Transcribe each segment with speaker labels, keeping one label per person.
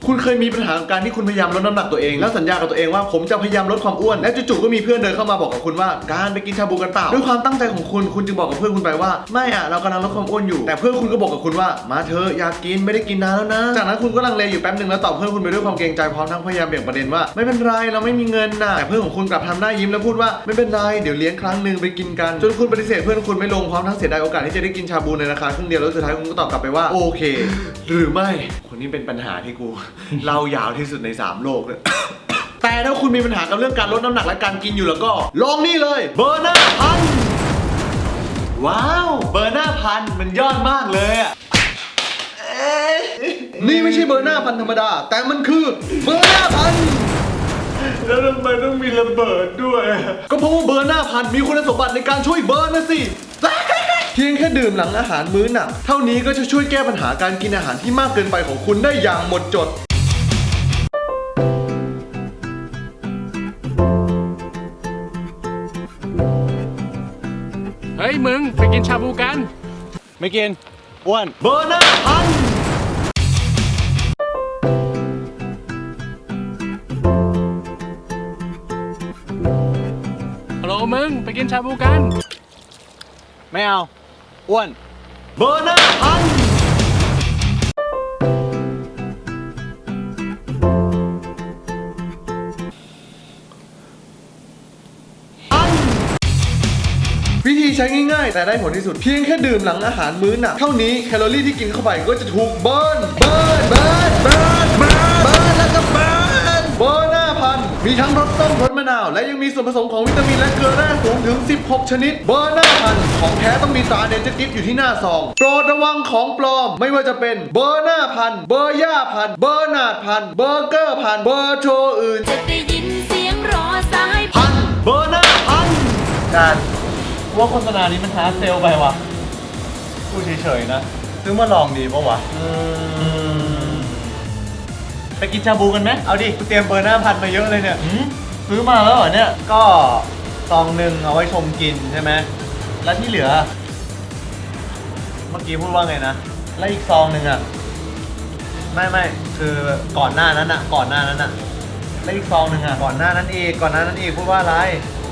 Speaker 1: คุณเคยมีปัญหาการที่คุณพยายามลดน้ำหนักตัวเองแล้วสัญญากับตัวเองว่าผมจะพยายามลดความอ้วนและจู่ๆก็มีเพื่อนเดินเข้ามาบอกกับคุณว่าการไปกินชาบูกันเปล่าด้วยความตั้งใจของคุณจึงบอกกับเพื่อนคุณไปว่าไม่อะเรากำลังลดความอ้วนอยู่แต่เพื่อนคุณก็บอกกับคุณว่ามาเถอะอยากกินไม่ได้กินนานแล้วนะจากนั้นคุณก็ลังเลอยู่แป๊บนึงแล้วตอบเพื่อนคุณไปด้วยความเกรงใจพร้อมทั้งพยายามเบี่ยงประเด็นว่าไม่เป็นไรเราไม่มีเงินนะแต่เพื่อนของคุณกลับทำหน้ายิ้มแล้วพูดว่าไม่เป็นไรเดี๋ยวเลี้ยงครั้งนึงไปกินกันจนคุณปฏิเสธเพื่อนคุณไม่ลงพร้อมทั้งเสียดายโอกาสที่จะได้กินชาบูในราคาครึ่งเดียวแล้วสุดท้ายคุณก็ตอบกลับไปว่าโอเคหรือไม่คนนี้เป็นปัญหาที่กูเล่ายาวที่สุดใน3โลกเลย แต่ถ้าคุณมีปัญหากับเรื่องการลดน้ำหนักและการกินอยู่แล้วก็ลองนี่เลยเบอร์หน้าพันว้าวเบอร์หน้าพันมันยอดมากเลยอ่ะนี่ไม่ใช่เบอร์หน้าพันธรรมดาแต่มันคือเบอร์หน้าพันแล้วทำไมต้องมีระเบิดด้วยก็เพราะว่าเบอร์หน้าพันมีคุณสมบัติในการช่วยเบิร์นนะสิเพียงแค่ดื่มหลังอาหารมื้อหนักเท่านี้ก็จะช่วยแก้ปัญหาการกินอาหารที่มากเกินไปของคุณได้อย่างหมดจด
Speaker 2: เฮ้ยมึงไปกินชาบูกัน
Speaker 1: ไม่กินอ้วนเบอร์หน้าพัน
Speaker 2: ฮัลโหลมึงไปกินชาบูกัน
Speaker 1: ไม่เอาอ้วนเบอร์หน้าพันวิธีใช้ง่ายๆแต่ได้ผลที่สุดเพียงแค่ดื่มหลังอาหารมื้อหนักเท่านี้แคลอรี่ที่กินเข้าไปก็จะถูกเบิร์นแล้วก็เบิร์นหน้าพันมีทั้งรสส้มรสมะนาวและยังมีส่วนผสมของวิตามินและเกลือแร่สูงถึง16ชนิดเบอร์หน้าพันของแท้ต้องมีตราเนเจอร์กิฟต์อยู่ที่หน้าซองโปรดระวังของปลอมไม่ว่าจะเป็นเบอร์หน้าพันเบอร์ย่าพันเบอร์นาดพันเบอร์เกอร์พันเบอร์โชอื่น
Speaker 3: จะได้ยินเสียงรอสาย
Speaker 1: พันเบอร์หน้าพันการว่าโฆษณานี้มันฮาร์ดเซลไปวะพูดเฉยๆนะซื้อมาลองดีปะวะไปกินชาบูกันไหมเอาดิกูเตรียมเบอร์หน้าพันมาเยอะเลยเนี่ยซื้อมาแล้วเหรอเนี่ยก็ซองหนึ่งเอาไว้ชมกินใช่ไหมแล้วที่เหลือเมื่อกี้พูดว่าไงนะแล้วอีกซองหนึ่งอ่ะไม่คือก่อนหน้านั้นอ่ะแล้วอีกซองหนึ่งอ่ะก่อนหน้านั้นอีกพูดว่าอะไร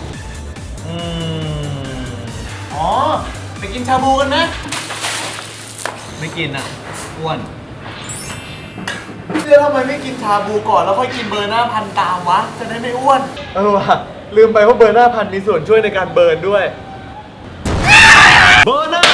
Speaker 1: อ๋อไปกินชาบูกันไหมไม่กินอ่ะอ้วนทำไมไม่กินชาบูก่อนแล้วค่อยกินเบอร์หน้าพันตามวะจะได้ไม่อ้วนว่ะลืมไปว่าเบอร์หน้าพันมีส่วนช่วยในการเบิร์นด้วยเบอร์หน้า